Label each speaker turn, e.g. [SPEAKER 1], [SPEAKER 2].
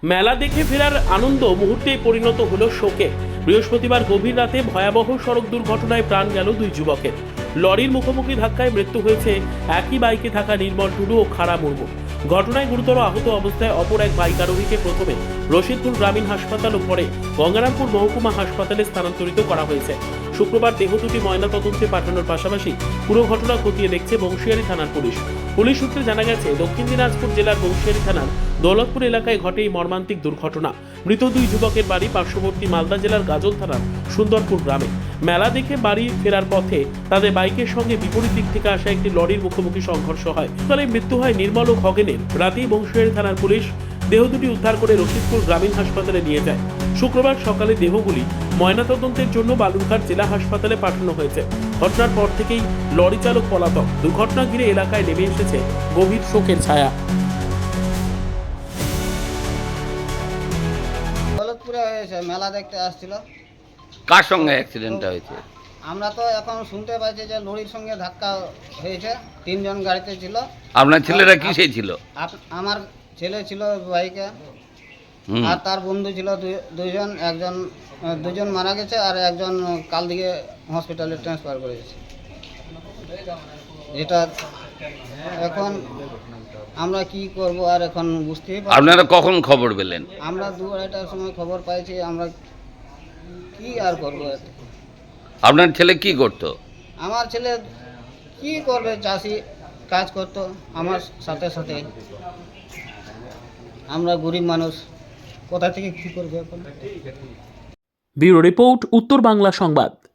[SPEAKER 1] মেলা দেখে ফেরার আনন্দ মুহূর্তেই পরিণত হলো শোকে। বৃহস্পতিবার গভীর রাতে ভয়াবহ সড়ক দুর্ঘটনায় প্রাণ গেল দুই যুবকের। লরির মুখোমুখি ধাক্কায় মৃত্যু হয়েছে একই বাইকে থাকা নির্মল টুডু ও খাড়া মুর্মু। ঘটনায় গুরুতর আহত অবস্থায় অপর এক বাইক আরোহীকে প্রথমে রশিদপুর গ্রামীণ হাসপাতাল ও পরে গঙ্গারামপুর মহকুমা হাসপাতালে স্থানান্তরিত করা হয়েছে। শুক্রবার দেহ দুটি ময়নাতদন্তে পাঠানোর পাশাপাশি পুরো ঘটনা খতিয়ে দেখছে বংশিয়ারি থানার পুলিশ। পুলিশ সূত্রে জানা গেছে, দক্ষিণ দিনাজপুর জেলার বংশিয়ারি থানার দৌলতপুর এলাকায় ঘটে এই মর্মান্তিক দুর্ঘটনা। মৃত দুই যুবকের বাড়ি পার্শ্ববর্তী মালদা জেলার গাজল থানার সুন্দরপুর গ্রামে। মেলা দেখে বাড়ি ফেরার পথে তাদের বাইকের সঙ্গে বিপরীত দিক থেকে আসা একটি লরির মুখোমুখি সংঘর্ষ হয়। ফলে মৃত্যু হয় নির্মল ও খগেনের। রাতেই বংশিয়ারি থানার পুলিশ দেহ দুটি উদ্ধার করে রশিদপুর গ্রামীণ হাসপাতালে নিয়ে যায়। শুক্রবার সকালে দেহগুলি ময়নাতদন্তের জন্য বালুরঘাট জেলা হাসপাতালে পাঠানো হয়েছে। ঘটনার পর থেকেই লরি চালক পলাতক। দুর্ঘটনা ঘিরে এলাকায় নেমে এসেছে গভীর শোকের ছায়া।
[SPEAKER 2] দৌলতপুরে হয়েছে, মেলা দেখতে আসছিল।
[SPEAKER 3] কার সঙ্গে অ্যাক্সিডেন্টটা হয়েছে?
[SPEAKER 2] আমরা তো এখন শুনতে পাচ্ছি যে লরির সঙ্গে ধাক্কা হয়েছে। তিনজন গাড়িতে ছিল।
[SPEAKER 3] আপনার ছেলেরা কিসে ছিল?
[SPEAKER 2] আমার ছেলে ছিল বাইকে,
[SPEAKER 3] হুম।
[SPEAKER 2] আর তার বন্ধু ছিল দুজন। দুজন মারা গেছে আর একজন কাল দিকে হসপিটালে ট্রান্সফার করেছে। এটা এখন আমরা কি করব আর এখন বুঝতেই পারছি।
[SPEAKER 3] আপনারা কখন খবর পেলেন?
[SPEAKER 2] আমরা 2-2:30টার সময় খবর পাইছি। আমরা কি আর করবো?
[SPEAKER 3] আপনার ছেলে কি করতো?
[SPEAKER 2] আমার ছেলে কি করবে, চাষি কাজ করতো আমার সাথে সাথে। আমরা গরিব মানুষ, কোথা থেকে কি করবে এখন?
[SPEAKER 1] ব্যুরো রিপোর্ট, উত্তর বাংলা সংবাদ।